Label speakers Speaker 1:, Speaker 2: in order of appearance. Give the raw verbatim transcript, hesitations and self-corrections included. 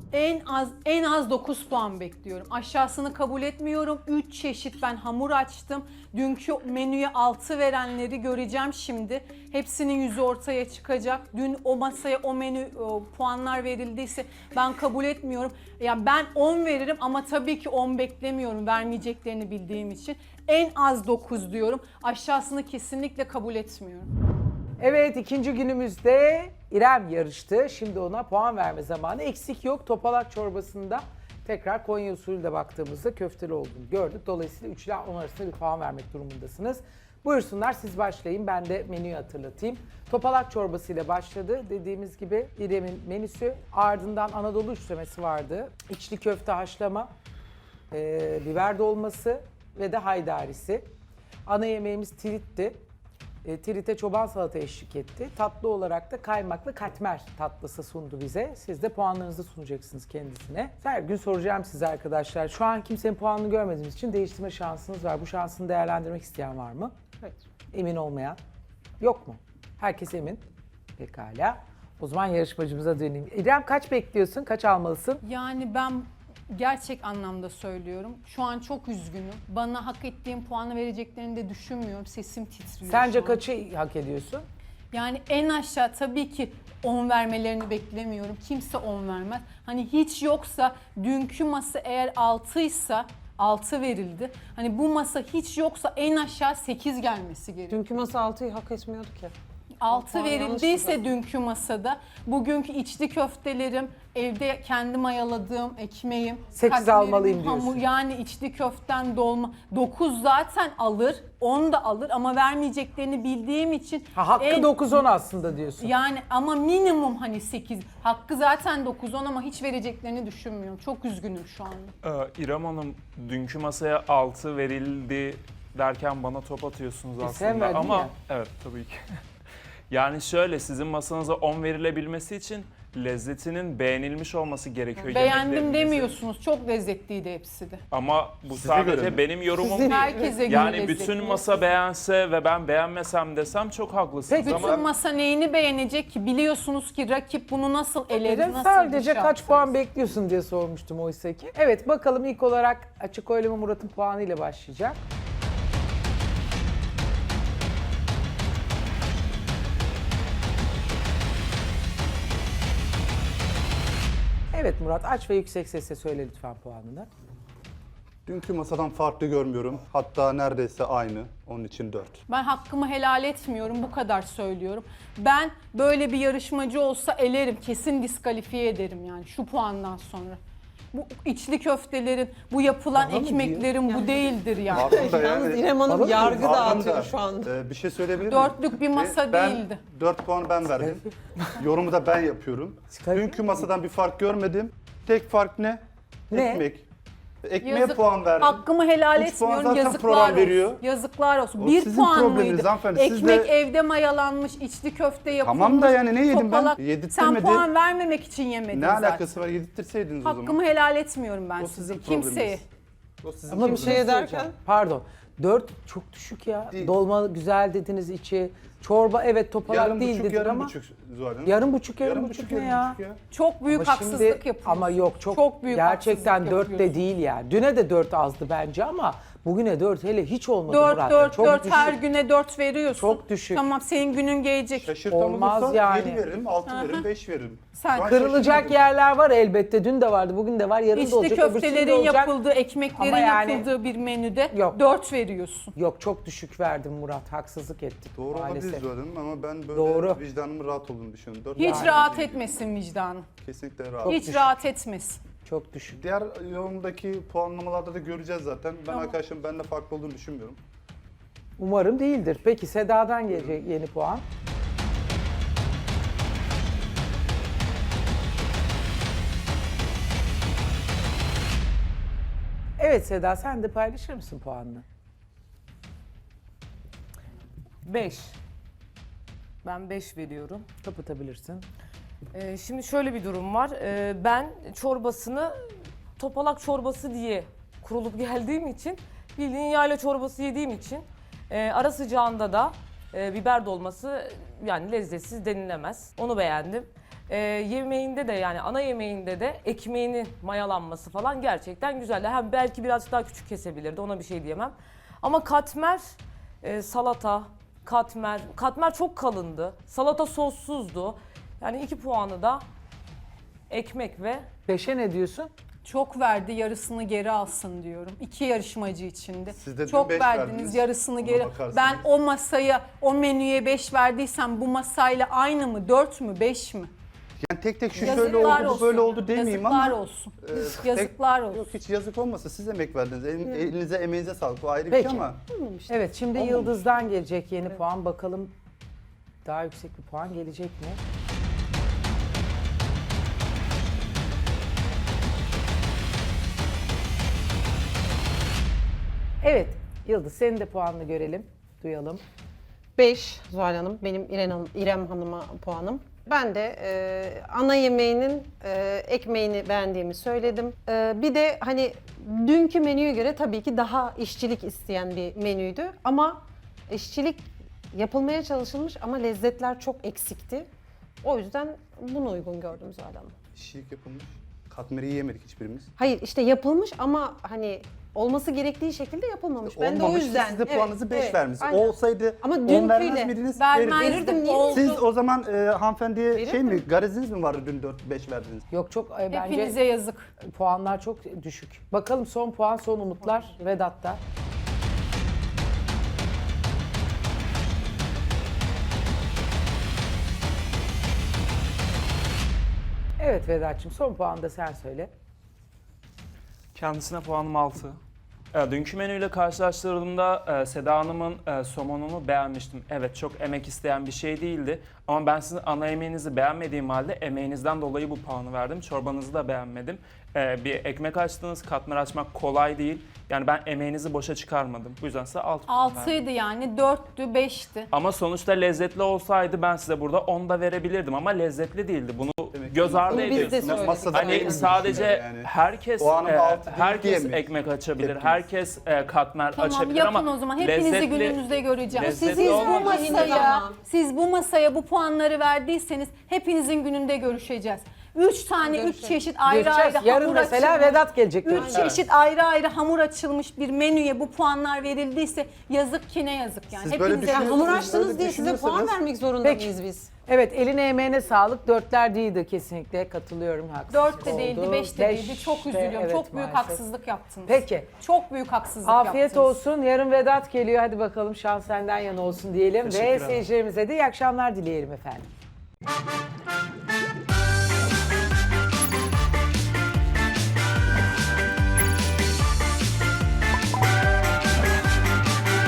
Speaker 1: En az en az dokuz puan bekliyorum. Aşağısını kabul etmiyorum. üç çeşit ben hamur açtım. Dünkü menüye altı verenleri göreceğim şimdi. Hepsinin yüzü ortaya çıkacak. Dün o masaya o menü o, puanlar verildiyse ben kabul etmiyorum. Yani ben on veririm ama tabii ki on beklemiyorum vermeyeceklerini bildiğim için. En az dokuz diyorum. Aşağısını kesinlikle kabul etmiyorum.
Speaker 2: Evet, ikinci günümüzde İrem yarıştı. Şimdi ona puan verme zamanı. Eksik yok. Topalak çorbasında tekrar Konya usulü de baktığımızda köfteli olduğunu gördük. Dolayısıyla üç ile on arasında bir puan vermek durumundasınız. Buyursunlar, siz başlayın. Ben de menüyü hatırlatayım. Topalak çorbasıyla başladı. Dediğimiz gibi İrem'in menüsü. Ardından Anadolu üçlemesi vardı. İçli köfte haşlama, e, biber dolması ve de haydarisi. Ana yemeğimiz tiritti. E, Trit'e çoban salata eşlik etti. Tatlı olarak da kaymaklı katmer tatlısı sundu bize. Siz de puanlarınızı sunacaksınız kendisine. Her gün soracağım size arkadaşlar. Şu an kimsenin puanını görmediğimiz için değiştirme şansınız var. Bu şansını değerlendirmek isteyen var mı?
Speaker 1: Evet.
Speaker 2: Emin olmayan? Yok mu? Herkes emin. Pekala. O zaman yarışmacımıza döneyim. İrem kaç bekliyorsun? Kaç almalısın?
Speaker 1: Yani ben gerçek anlamda söylüyorum. Şu an çok üzgünüm. Bana hak ettiğim puanı vereceklerini de düşünmüyorum. Sesim titriyor
Speaker 2: Sence
Speaker 1: şu an.
Speaker 2: kaçı hak ediyorsun?
Speaker 1: Yani en aşağı tabii ki on vermelerini beklemiyorum. Kimse on vermez. Hani hiç yoksa dünkü masa eğer altıysa altı verildi. Hani bu masa hiç yoksa en aşağı sekiz gelmesi gerekiyor.
Speaker 3: Dünkü masa altıyı hak etmiyordu ki.
Speaker 1: altı
Speaker 3: puan
Speaker 1: verildiyse
Speaker 3: yanlıştı
Speaker 1: dünkü masada, bugünkü içli köftelerim, evde kendi mayaladığım ekmeğim,
Speaker 2: Sekiz
Speaker 1: katmerim,
Speaker 2: almalıyım diyorsun.
Speaker 1: hamur, yani içli köften dolma, dokuz zaten alır, on da alır ama vermeyeceklerini bildiğim için
Speaker 2: Ha, hakkı
Speaker 1: en-
Speaker 2: dokuz on aslında diyorsun.
Speaker 1: yani ama minimum hani sekiz, hakkı zaten dokuz on ama hiç vereceklerini düşünmüyorum. Çok üzgünüm şu anda.
Speaker 4: Ee, İrem Hanım, dünkü masaya altı verildi derken bana top atıyorsunuz
Speaker 2: E, sen
Speaker 4: aslında
Speaker 2: verdin
Speaker 4: ama
Speaker 2: ya.
Speaker 4: evet tabii ki. Yani şöyle, sizin masanıza on verilebilmesi için lezzetinin beğenilmiş olması gerekiyor.
Speaker 1: Beğendim
Speaker 4: yemeklerinizin.
Speaker 1: demiyorsunuz, çok lezzetliydi hepsi de.
Speaker 4: Ama bu
Speaker 5: Size
Speaker 4: sadece
Speaker 5: göre mi?
Speaker 4: benim yorumum
Speaker 3: Sizin-
Speaker 4: değil.
Speaker 1: Herkese göre
Speaker 4: Yani
Speaker 1: lezzetli.
Speaker 4: bütün masa beğense ve ben beğenmesem desem çok haklısınız
Speaker 2: Peki,
Speaker 4: ama
Speaker 1: Bütün masa neyini beğenecek ki? Biliyorsunuz ki rakip bunu nasıl eleri,
Speaker 2: Neden
Speaker 1: nasıl
Speaker 2: sadece
Speaker 1: dışa
Speaker 2: kaç
Speaker 1: atar?
Speaker 2: puan bekliyorsun diye sormuştum oysa ki. Evet, bakalım ilk olarak açık oylama Murat'ın puanıyla başlayacak. Evet Murat, aç ve yüksek sesle söyle lütfen puanını.
Speaker 5: Dünkü masadan farklı görmüyorum. Hatta neredeyse aynı. Onun için dört.
Speaker 1: Ben hakkımı helal etmiyorum, bu kadar söylüyorum. Ben böyle bir yarışmacı olsa elerim, kesin diskalifiye ederim yani şu puandan sonra. Bu içli köftelerin, bu yapılan
Speaker 2: Bana mı
Speaker 1: ekmeklerin bu değildir yani.
Speaker 5: Aslında
Speaker 3: Yalnız
Speaker 5: yani...
Speaker 3: İrem Hanım
Speaker 2: Bana mı
Speaker 3: yargı
Speaker 2: diyorsun?
Speaker 3: dağıtıyor
Speaker 5: Aslında,
Speaker 3: şu anda.
Speaker 5: e, bir şey söyleyebilir miyim?
Speaker 1: Dörtlük bir masa
Speaker 5: E, ben,
Speaker 1: değildi.
Speaker 5: dört puan ben verdim. Yorumu da ben yapıyorum.
Speaker 2: Çıkarıyor
Speaker 5: Dünkü masadan bir fark görmedim. Tek fark ne?
Speaker 2: Ne?
Speaker 5: Ekmek. Ekmeğe
Speaker 1: Yazık.
Speaker 5: puan verdim.
Speaker 1: Hakkımı helal
Speaker 5: Üç puan
Speaker 1: etmiyorum,
Speaker 5: zaten
Speaker 1: yazıklar
Speaker 5: program
Speaker 1: olsun.
Speaker 5: veriyor.
Speaker 1: Yazıklar olsun.
Speaker 5: O
Speaker 1: Bir
Speaker 5: sizin
Speaker 1: puan
Speaker 5: probleminiz
Speaker 1: mıydı?
Speaker 5: hanımefendi, siz
Speaker 1: Ekmek
Speaker 5: de-
Speaker 1: evde mayalanmış, içli köfte yapılmış.
Speaker 5: Tamam da yani ne yedim ben?
Speaker 1: topalak.
Speaker 5: Yedirtmedi.
Speaker 1: Sen puan vermemek için yemedin
Speaker 5: Ne
Speaker 1: zaten.
Speaker 5: alakası var? Yedirttirseydiniz o zaman.
Speaker 1: Hakkımı helal etmiyorum ben
Speaker 5: O
Speaker 1: size.
Speaker 5: sizin
Speaker 1: Kimseye.
Speaker 5: probleminiz. O sizin
Speaker 2: Ama bir
Speaker 5: probleminiz.
Speaker 2: şey
Speaker 3: Kimseye
Speaker 2: söyleyeceğim.
Speaker 3: derken?
Speaker 2: Pardon. dört çok düşük ya.
Speaker 5: Değil.
Speaker 2: Dolma güzel dediniz içi. Çorba evet topalak
Speaker 5: Yarım
Speaker 2: değil
Speaker 5: buçuk,
Speaker 2: dedin
Speaker 5: yarım
Speaker 2: ama.
Speaker 5: buçuk Zuhal Hanım.
Speaker 2: Yarım buçuk, yarım,
Speaker 5: Yarım
Speaker 2: buçuk,
Speaker 5: buçuk,
Speaker 2: ne
Speaker 5: yarım
Speaker 2: ya?
Speaker 5: buçuk ya.
Speaker 1: Çok büyük
Speaker 2: Ama
Speaker 1: haksızlık
Speaker 2: şimdi-
Speaker 1: yapıyorsun.
Speaker 2: Ama yok çok,
Speaker 1: Çok büyük
Speaker 2: gerçekten
Speaker 1: haksızlık
Speaker 2: dört de
Speaker 1: yapıyorsun.
Speaker 2: değil yani. Düne de dört azdı bence ama bugüne dört hele hiç olmadı
Speaker 1: Dört,
Speaker 2: Murat.
Speaker 1: dört,
Speaker 2: çok
Speaker 1: dört
Speaker 2: düşük.
Speaker 1: her güne dört veriyorsun.
Speaker 2: Çok düşük.
Speaker 1: Tamam, senin günün gelecek.
Speaker 5: Şaşırtan
Speaker 2: Olmaz
Speaker 5: olursa
Speaker 2: yani.
Speaker 5: yedi veririm, altı veririm, beş veririm.
Speaker 1: Sen
Speaker 5: Şu an
Speaker 2: Kırılacak
Speaker 5: şaşırmadım.
Speaker 2: yerler var elbette. Dün de vardı, bugün de var, yarın da
Speaker 1: İçli
Speaker 2: olacak, öbürsü de
Speaker 1: köftelerin
Speaker 2: olacak.
Speaker 1: yapıldığı, ekmeklerin
Speaker 2: Ama yani-
Speaker 1: yapıldığı bir menüde
Speaker 2: Yok.
Speaker 1: dört veriyorsun.
Speaker 2: Yok, çok düşük verdim Murat. Haksızlık ettik
Speaker 5: Doğru
Speaker 2: maalesef.
Speaker 5: olabilir Zuhal Hanım ama ben böyle
Speaker 2: Doğru.
Speaker 5: vicdanımın rahat olduğunu düşünüyorum. Dört
Speaker 1: Hiç
Speaker 5: puan
Speaker 1: rahat
Speaker 5: değil.
Speaker 1: etmesin vicdanın.
Speaker 5: Kesinlikle rahat.
Speaker 1: Hiç
Speaker 2: düşük.
Speaker 1: rahat etmesin.
Speaker 2: Çok düşük.
Speaker 5: Diğer yorumdaki puanlamalarda da göreceğiz zaten. Ben
Speaker 1: Tamam.
Speaker 5: arkadaşım benimle farklı olduğunu düşünmüyorum.
Speaker 2: Umarım değildir. Peki Seda'dan gelecek yeni puan. Evet Seda, sen de paylaşır mısın puanını?
Speaker 6: beş. Ben beş veriyorum.
Speaker 2: Kapatabilirsin.
Speaker 6: Ee, şimdi şöyle bir durum var. Ee, ben çorbasını topalak çorbası diye kurulup geldiğim için, bildiğin yayla çorbası yediğim için e, ara sıcağında da e, biber dolması yani lezzetsiz denilemez. Onu beğendim. Ee, yemeğinde de yani ana yemeğinde de ekmeğinin mayalanması falan gerçekten güzeldi. Hem belki birazcık daha küçük kesebilirdi, ona bir şey diyemem. Ama katmer, e, salata, katmer, katmer çok kalındı. Salata sossuzdu. Yani iki puanı da ekmek ve
Speaker 2: Beşe ne diyorsun?
Speaker 1: Çok verdi, yarısını geri alsın diyorum. İki yarışmacı içinde.
Speaker 5: Siz de dün
Speaker 1: Çok
Speaker 5: beş
Speaker 1: verdiniz,
Speaker 5: verdiniz.
Speaker 1: yarısını
Speaker 5: Ona
Speaker 1: geri.
Speaker 5: bakarsanız.
Speaker 1: Ben o masaya, o menüye beş verdiysem bu masayla aynı mı? Dört mü? Beş mi?
Speaker 5: Yani tek tek şu şöyle
Speaker 1: Yazıklar
Speaker 5: oldu, bu
Speaker 1: olsun.
Speaker 5: böyle oldu demeyeyim ama.
Speaker 1: Yazıklar olsun.
Speaker 5: e,
Speaker 1: Yazıklar
Speaker 5: tek-
Speaker 1: olsun.
Speaker 5: Yok hiç yazık olmasa siz emek verdiniz. El- elinize emeğinize sağlık. O ayrı bir
Speaker 2: Peki.
Speaker 5: şey ama.
Speaker 2: Evet, şimdi Yıldız'dan gelecek yeni puan. Bakalım daha yüksek bir puan gelecek mi? Evet, Yıldız senin de puanını görelim, duyalım.
Speaker 3: beş Zuhal Hanım, benim İrem, Hanım, İrem Hanım'a puanım. Ben de e, ana yemeğinin e, ekmeğini beğendiğimi söyledim. E, bir de hani dünkü menüye göre tabii ki daha işçilik isteyen bir menüydü. Ama işçilik yapılmaya çalışılmış ama lezzetler çok eksikti. O yüzden bunu uygun gördüm Zuhal Hanım.
Speaker 5: İşçilik yapılmış. Katmeri yiyemedik hiçbirimiz.
Speaker 3: Hayır işte yapılmış ama hani olması gerektiği şekilde yapılmamış. Ben de o
Speaker 5: Olmamış,
Speaker 3: yüzden.
Speaker 5: siz de
Speaker 3: evet,
Speaker 5: puanınızı beş
Speaker 3: evet,
Speaker 5: vermişsiniz.
Speaker 3: aynen.
Speaker 5: Olsaydı
Speaker 3: Ama
Speaker 5: on
Speaker 3: dünküyle
Speaker 5: vermez miydiniz?
Speaker 1: Vermezdim.
Speaker 5: Verirdiniz.
Speaker 3: Verirdim, niye?
Speaker 1: Oldu.
Speaker 5: Siz o zaman e, hanımefendiye şey
Speaker 3: Verirdim.
Speaker 5: mi, gareziniz mi vardı dün dört beş verdiniz?
Speaker 2: Yok çok e, bence
Speaker 1: Hepinize yazık.
Speaker 2: puanlar çok düşük. Bakalım son puan, son umutlar Vedat'ta. Evet Vedat'cığım son puanı da sen söyle.
Speaker 4: Kendisine puanım altı. E, dünkü menüyle karşılaştırdığımda e, Seda Hanım'ın e, somonunu beğenmiştim. Evet, çok emek isteyen bir şey değildi. Ama ben sizin ana yemeğinizi beğenmediğim halde emeğinizden dolayı bu puanı verdim. Çorbanızı da beğenmedim. E, bir ekmek açtınız, katmer açmak kolay değil. Yani ben emeğinizi boşa çıkarmadım. Bu yüzden size altı puan verdim.
Speaker 1: Altıydı yani, dörttü, beşti.
Speaker 4: Ama sonuçta lezzetli olsaydı ben size burada on da verebilirdim ama lezzetli değildi. Bunu
Speaker 5: Demek ki
Speaker 4: göz ardı
Speaker 3: Bunu biz de
Speaker 4: ediyorsunuz.
Speaker 3: söyledik.
Speaker 5: Masada
Speaker 4: Hani
Speaker 5: aynı
Speaker 4: sadece
Speaker 5: düşünüyor yani.
Speaker 4: herkes
Speaker 5: O anın
Speaker 4: e,
Speaker 5: altı değil
Speaker 4: herkes
Speaker 5: diyemeyiz.
Speaker 4: ekmek açabilir,
Speaker 5: Hepimiz.
Speaker 4: herkes e, katmer
Speaker 1: Tamam,
Speaker 4: açabilir
Speaker 1: yapın
Speaker 4: ama
Speaker 1: o zaman. Hepinizi
Speaker 4: lezzetli-
Speaker 1: gününüzde göreceğim.
Speaker 4: lezzetli
Speaker 1: Siz bu
Speaker 4: olmadı.
Speaker 1: masaya, siz bu masaya bu puanları verdiyseniz hepinizin gününde görüşeceğiz. Üç tane, üç
Speaker 3: Görüşelim.
Speaker 1: çeşit ayrı
Speaker 2: Görüşeceğiz.
Speaker 1: ayrı
Speaker 2: Yarın
Speaker 1: hamur
Speaker 2: mesela
Speaker 1: açılmış.
Speaker 2: Vedat gelecek.
Speaker 1: Üç
Speaker 2: görüşeceğiz.
Speaker 1: çeşit ayrı ayrı hamur açılmış bir menüye bu puanlar verildiyse yazık ki ne yazık yani.
Speaker 5: Siz böyle
Speaker 1: Hepinize
Speaker 5: düşünüyorsunuz.
Speaker 3: Hamur
Speaker 5: Böyle
Speaker 3: açtınız diye size puan
Speaker 5: düşünüyorsanız-
Speaker 3: vermek zorunda
Speaker 2: Peki.
Speaker 3: mıyız biz?
Speaker 2: Evet eline emeğine sağlık. Dörtler değildi kesinlikle, katılıyorum. Haksızlık
Speaker 1: dört de
Speaker 2: oldu.
Speaker 1: değildi, beş de değildi. Çok
Speaker 2: Beş de,
Speaker 1: üzülüyorum.
Speaker 2: evet,
Speaker 1: Çok büyük
Speaker 2: maalesef.
Speaker 1: haksızlık yaptınız.
Speaker 2: Peki.
Speaker 1: Çok büyük haksızlık
Speaker 2: Afiyet
Speaker 1: yaptınız.
Speaker 2: olsun. Yarın Vedat geliyor. Hadi bakalım şans senden yana olsun diyelim.
Speaker 4: Teşekkür
Speaker 2: Ve
Speaker 4: ederim.
Speaker 2: seyircilerimize de iyi akşamlar dileyelim efendim.